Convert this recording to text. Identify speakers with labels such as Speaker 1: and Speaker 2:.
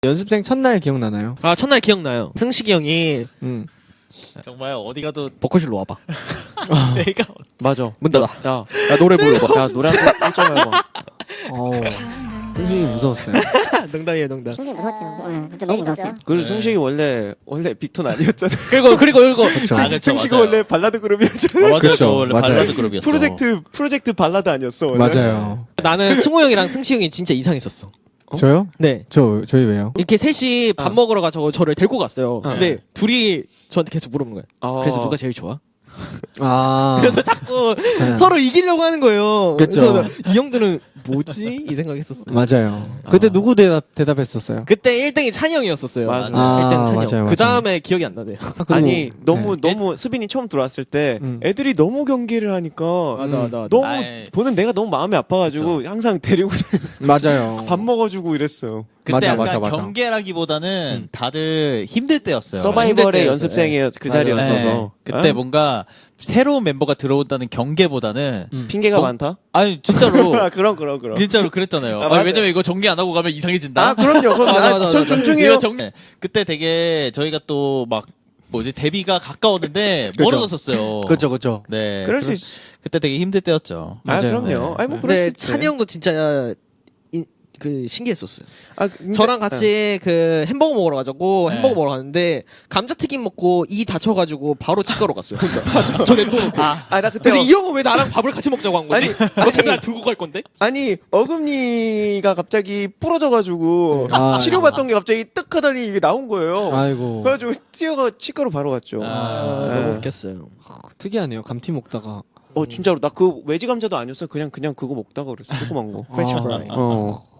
Speaker 1: 연습생 첫날 기억나나요?
Speaker 2: 아 첫날 기억나요. 승식이 형이
Speaker 3: 정말 어디 가도
Speaker 2: 버커실로 와봐.
Speaker 3: 내가
Speaker 4: 맞아.
Speaker 2: 문 닫아.
Speaker 4: 야 노래 불러봐. 야 노래 한번 해봐.
Speaker 1: 승식이 무서웠어요.
Speaker 2: 농담이에요 농담.
Speaker 5: 승식이 무서웠죠. 응, 진짜 너무 무서웠어요.
Speaker 4: 그리고 승식이 원래 빅톤 아니었잖아.
Speaker 2: 그리고
Speaker 1: 그쵸.
Speaker 3: 아, 그쵸,
Speaker 4: 승식이
Speaker 3: 맞아요.
Speaker 4: 원래 발라드 그룹이었잖아.
Speaker 3: 맞아요.
Speaker 1: 그쵸,
Speaker 3: 저 원래
Speaker 1: 맞아요.
Speaker 3: 발라드 그룹이었죠.
Speaker 4: 프로젝트 발라드 아니었어. 원래?
Speaker 1: 맞아요.
Speaker 2: 나는 승우 형이랑 승식 형이 진짜 이상했었어.
Speaker 1: 저요?
Speaker 2: 네.
Speaker 1: 저희 왜요?
Speaker 2: 이렇게 셋이 밥 먹으러 가서 저를 데리고 갔어요. 근데 둘이 저한테 계속 물어보는 거예요. 그래서 누가 제일 좋아? 그래서 자꾸 서로 이기려고 하는 거예요.
Speaker 1: 그쵸.
Speaker 2: 그래서 이 형들은 뭐지? 이 생각했었어.
Speaker 1: 맞아요. 그때 누구 대답했었어요?
Speaker 2: 그때 1등이 찬이 형이었었어요.
Speaker 4: 맞아.
Speaker 2: 1등 찬이
Speaker 1: 맞아요,
Speaker 2: 형.
Speaker 1: 맞아요.
Speaker 2: 그 다음에 기억이 안 나네요.
Speaker 4: 아니
Speaker 1: 그리고,
Speaker 4: 너무 수빈이 처음 들어왔을 때 애들이 너무 경기를 하니까
Speaker 2: 맞아.
Speaker 4: 너무
Speaker 3: 아이.
Speaker 4: 보는 내가 너무 마음이 아파가지고 항상 데리고
Speaker 1: 맞아요.
Speaker 4: 밥 먹어주고 이랬어요.
Speaker 3: 그때
Speaker 1: 맞아,
Speaker 3: 약간
Speaker 1: 맞아.
Speaker 3: 경계라기보다는 다들 힘들 때였어요.
Speaker 4: 서바이벌의
Speaker 2: 힘들 때였어요.
Speaker 4: 연습생의 그
Speaker 2: 맞아요.
Speaker 4: 자리였어서
Speaker 3: 네. 그때 뭔가 새로운 멤버가 들어온다는 경계보다는
Speaker 4: 핑계가
Speaker 3: 어?
Speaker 4: 많다.
Speaker 3: 아니 진짜로
Speaker 4: 그럼.
Speaker 3: 진짜로 그랬잖아요.
Speaker 4: 아, 맞아요.
Speaker 3: 왜냐면 이거 정리 안 하고 가면 이상해진다.
Speaker 4: 아 그럼요.
Speaker 2: 맞아.
Speaker 4: 전 존중해요.
Speaker 3: 이거 정리. 그때 되게 저희가 또 막 뭐지 데뷔가 가까웠는데
Speaker 1: 그죠.
Speaker 3: 멀어졌었어요.
Speaker 1: 그쵸.
Speaker 3: 네.
Speaker 4: 그럴 수 있어.
Speaker 3: 그때 되게 힘들 때였죠.
Speaker 4: 아
Speaker 1: 맞아요.
Speaker 4: 그럼요. 아니 뭐 그럴 수
Speaker 2: 근데
Speaker 4: 있지.
Speaker 2: 찬이 형도 진짜 그 신기했었어요.
Speaker 4: 아, 근데-
Speaker 2: 저랑 같이 그 햄버거 먹으러 가자고
Speaker 3: 네.
Speaker 2: 햄버거 먹으러 갔는데 감자튀김 먹고 이 다쳐가지고 바로 치과로 갔어요. 혼자. 저 냅둬 놓고.
Speaker 4: 아 나 그때
Speaker 2: 그래서 이 형은 왜 나랑 밥을 같이 먹자고 한 거지? 어차피 날 두고 갈 건데?
Speaker 4: 아니 어금니가 갑자기 부러져가지고
Speaker 1: 아.
Speaker 4: 치료받던 게 갑자기 뜨k 하더니 이게 나온 거예요.
Speaker 1: 아이고.
Speaker 4: 그래가지고 뛰어가 치과로 바로 갔죠.
Speaker 2: 너무 웃겼어요.
Speaker 1: 특이하네요. 감튀 먹다가.
Speaker 4: 진짜로 나 그 외지 감자도 아니었어. 그냥 그거 먹다가 그랬어. 조그만 거.
Speaker 2: 프렌치 프라이.